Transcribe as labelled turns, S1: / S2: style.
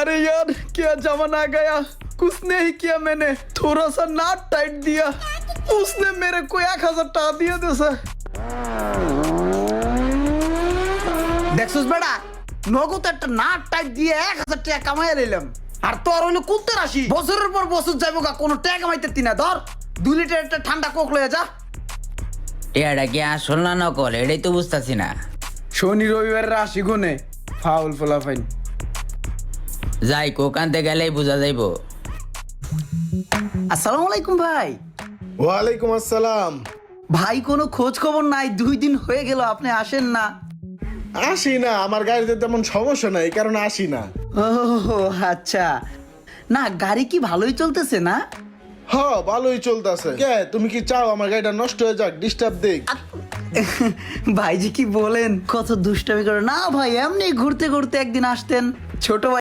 S1: अरे यार क्या जमाना आ गया, कुछ नहीं किया मैंने, थोड़ा सा नाट टाइट दिया, उसने मेरे को 1000 টাকা দিয়ে দিয়েছে। দেখছস বেড়া, নগদ একটা নাট টাইট দিয়ে 1000 টাকা কামাইয়া নিলাম, আর তোর হইলো কুলতে রাশি, বছরের পর বছর যাইবো গা, কোনো টাকা কামাইতে না। ধর 2 লিটার একটা ঠান্ডা কোক লয়ে যা।
S2: এটা কি আসল না নকল এটাই তো বুঝতেছি না।
S1: শনি রবিবারের রাশি গুনে ফাউল ফলাফাইন।
S2: যাই কোক আনতে গেলেই বোঝা যাইবো।
S1: আসসালামু আলাইকুম ভাই।
S3: ওয়ালাইকুম আসসালাম।
S1: ভাই কোনো খোঁজ খবর নাই, 2 দিন হয়ে গেল আপনি আসেন না।
S3: আসি না, আমার গাড়িতে তেমন সমস্যা নাই, এই কারণে আসি না।
S1: ও আচ্ছা, না গাড়ি কি ভালোই চলতেছে না?
S3: হ, ভালোই চলতেছে। কে, তুমি কি চাও আমার গাড়িটা নষ্ট হয়ে যাক, ডিস্টার্ব দেখ?
S1: ভাইজি কি বলেন, কত দুষ্টামি করে না ভাই, এমনি ঘুরতে ঘুরতে একদিন আসতেন। ছোট ভাই